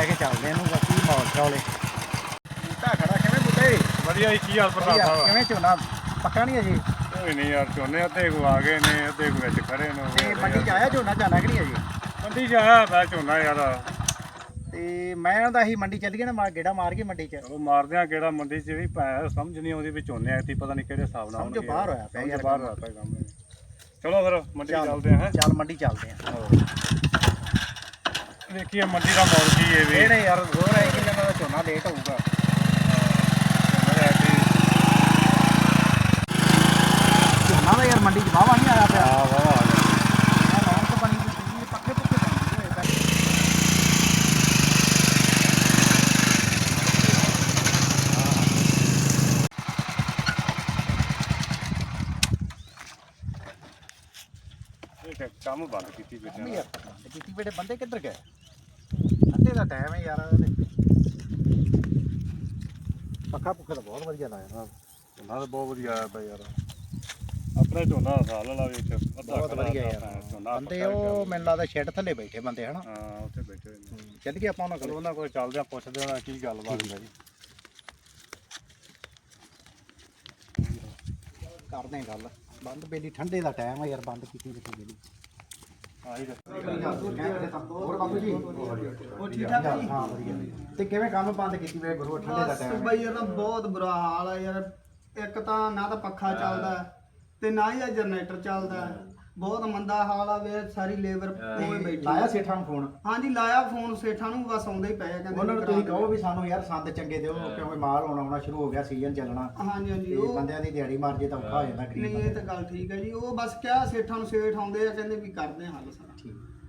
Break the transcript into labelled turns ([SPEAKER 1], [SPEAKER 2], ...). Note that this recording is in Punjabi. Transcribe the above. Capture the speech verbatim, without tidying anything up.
[SPEAKER 1] ਕੇ ਚੱਲਦੇ ਇਹਨੂੰ ਬਾਕੀ ਮਾਹੌਲ ਚੌਲੇ ਬੂਟਾ ਖੜਾ ਕਿਵੇਂ ਬੂਟੇ
[SPEAKER 2] ਵਧੀਆ ਜੀ ਕੀ ਹਾਲ ਪ੍ਰਤਾਪ ਸਾਹਿਬ
[SPEAKER 1] ਕਿਵੇਂ ਝੋਨਾ ਪੱਕਾ ਨਹੀਂ ਅਜੇ
[SPEAKER 2] ਕੋਈ ਨਹੀਂ ਯਾਰ ਝੋਨੇ ਅੱਧੇ ਕੋ ਆ ਗਏ ਨੇ ਅੱਧੇ ਕੋ ਵਿੱਚ ਖੜੇ ਨੇ
[SPEAKER 1] ਤੇ ਮੰਡੀ 'ਚ ਆਇਆ ਝੋਨਾ ਜਾਣਾ ਕਿ ਨਹੀਂ ਅਜੇ
[SPEAKER 2] ਮੰਡੀ 'ਚ ਆਇਆ ਪਿਆ ਝੋਨਾ ਯਾਰ
[SPEAKER 1] ਤੇ ਮੈਂ ਉਹਦਾ ਹੀ ਮੰਡੀ ਚੱਲੀਏ ਨਾ ਮਾਰ ਗੇੜਾ ਮਾਰ ਕੇ ਮੰਡੀ 'ਚ
[SPEAKER 2] ਉਹ ਮਾਰਦੇ ਆ ਕਿਹੜਾ ਮੰਡੀ 'ਚ ਵੀ ਭੈ ਸਮਝ ਨਹੀਂ ਆਉਂਦੀ ਵੀ ਝੋਨੇ ਐਤੀ ਪਤਾ ਨਹੀਂ ਕਿਹੜੇ ਹਿਸਾਬ ਨਾਲ
[SPEAKER 1] ਸਮਝੋ ਬਾਹਰ ਹੋਇਆ ਪਿਆ ਯਾਰ
[SPEAKER 2] ਬਾਹਰ ਹੋਇਆ ਪਿਆ ਕੰਮ ਚਲੋ ਫਿਰ ਮੰਡੀ ਚੱਲਦੇ ਆ
[SPEAKER 1] ਚੱਲ ਮੰਡੀ ਚੱਲਦੇ ਆ
[SPEAKER 2] ਦੇਖੀਏ ਮੰਡੀ ਦਾ ਮੌਲ ਕੀ ਹੈ ਵੀ
[SPEAKER 1] ਇਹ ਨਹੀਂ ਯਾਰ ਹੋਰ ਹੈ ਕਿ ਇਹਨਾਂ ਦਾ ਝੋਨਾ ਲੇਟ ਹੋਊਗਾ ਝੋਨਾ ਦਾ ਯਾਰ ਮੰਡੀ 'ਚ ਵਾਹਵਾ ਨਹੀਂ ਆਇਆ ਪਿਆ
[SPEAKER 2] ਹਾਂ ਵਾਹ ਆ ਗਿਆ
[SPEAKER 1] ਲਾਉਣ ਤੋਂ ਬਣੀ ਵੀ ਪੱਕੇ ਪੁੱਕੇ ਪੈਂਦੇ
[SPEAKER 2] ਇਹ ਕੰਮ ਬੰਦ ਕੀਤੀ ਬੇਟਾ
[SPEAKER 1] ਯਾਰ ਕੀਤੀ ਬੇਟੇ ਬੰਦੇ ਕਿੱਧਰ ਗਏ ਅੱਧੇ ਦਾ ਟਾਈਮ ਹੈ ਯਾਰ ਪੱਕਾ ਪੁੱਕਾ ਤਾਂ ਬਹੁਤ ਵਧੀਆ ਲਾਇਆ
[SPEAKER 2] ਝੋਨਾ ਤਾਂ ਬਹੁਤ ਵਧੀਆ ਆਇਆ ਪਿਆ ਯਾਰ ਆਪਣੇ ਝੋਨਾ ਸਾਲ ਵਾਲਾ ਵਿੱਚ ਅੱਧਾ
[SPEAKER 1] ਬਹੁਤ ਵਧੀਆ ਯਾਰ ਬੰਦੇ ਉਹ ਮੈਨੂੰ ਲੱਗਦਾ ਸ਼ੈੱਡ ਥੱਲੇ ਬੈਠੇ ਬੰਦੇ ਹਨਾ
[SPEAKER 2] ਹਾਂ ਉੱਥੇ ਬੈਠੇ ਹੋਏ ਨੇ
[SPEAKER 1] ਚੱਲ ਗਏ ਆਪਾਂ ਉਹਨਾਂ ਕੋਲ
[SPEAKER 2] ਉਹਨਾਂ ਕੋਲ ਚੱਲਦੇ ਆ ਪੁੱਛਦੇ ਆ ਕੀ ਗੱਲਬਾਤ ਹੈ ਜੀ
[SPEAKER 1] ਕਰਦੇ ਆ ਗੱਲ ਬੰਦ ਬੇਲੀ ਠੰਡੇ ਦਾ ਟਾਈਮ ਆ ਯਾਰ ਬੰਦ ਕੀਤੀ ਰੱਖੀ ਬੇਲੀ
[SPEAKER 2] ਆਹੀ
[SPEAKER 1] ਹੋਰ ਬਾਬੂ ਜੀ ਉਹ ਠੀਕ ਠਾਕ ਜੀ ਹਾਂ ਵਧੀਆ ਤੇ ਕਿਵੇਂ ਕੰਮ ਬੰਦ ਕੀਤੀ ਵੇ ਗੁਰੂ ਠੰਡੇ ਦਾ ਟਾਈਮ
[SPEAKER 3] ਬਈ ਯਾਰ ਬਹੁਤ ਬੁਰਾ ਹਾਲ ਆ ਯਾਰ ਇੱਕ ਤਾਂ ਨਾ ਤਾਂ ਪੱਖਾ ਚੱਲਦਾ ਤੇ ਨਾ ਹੀ ਆ ਜਨਰੇਟਰ ਚੱਲਦਾ ਬਹੁਤ ਮੰਦਾ ਹਾਲ ਆ ਵੇ ਸਾਰੀ ਲੇਬਰ ਕੋਲ ਬੈਠੀ
[SPEAKER 1] ਲਾਇਆ ਸੇਠਾਂ ਨੂੰ ਫੋਨ
[SPEAKER 3] ਹਾਂਜੀ ਲਾਇਆ ਫੋਨ ਸੇਠਾਂ ਨੂੰ ਬਸ ਆਉਂਦੇ ਹੀ ਪਏ ਆ ਕਹਿੰਦੇ
[SPEAKER 1] ਉਹਨਾਂ ਨੂੰ ਤੁਸੀਂ ਕਹੋ ਵੀ ਸਾਨੂੰ ਯਾਰ ਸੰਦ ਚੰਗੇ ਦਿਓ ਕਿਉਂਕਿ ਮਾਲ ਆਉਣਾ ਆਉਣਾ ਸ਼ੁਰੂ ਹੋ ਗਿਆ ਸੀਜ਼ਨ ਚੱਲਣਾ
[SPEAKER 3] ਹਾਂਜੀ ਹਾਂਜੀ
[SPEAKER 1] ਤੇ
[SPEAKER 3] ਉਹ
[SPEAKER 1] ਬੰਦਿਆਂ ਦੀ ਦਿਹਾੜੀ ਮਾਰ ਜੇ ਤਾਂ ਔਖਾ ਹੋ ਜਾਂਦਾ ਗਰੀਬ
[SPEAKER 3] ਨਹੀਂ ਇਹ ਤਾਂ ਗੱਲ ਠੀਕ ਹੈ ਜੀ ਉਹ ਬਸ ਕਿਹਾ ਸੇਠਾਂ ਨੂੰ ਸੇਠ ਆਉਂਦੇ ਆ ਕਹਿੰਦੇ ਵੀ ਕਰਦੇ ਆ ਹੱਲ ਸਾਰਾ
[SPEAKER 1] ਠੀਕ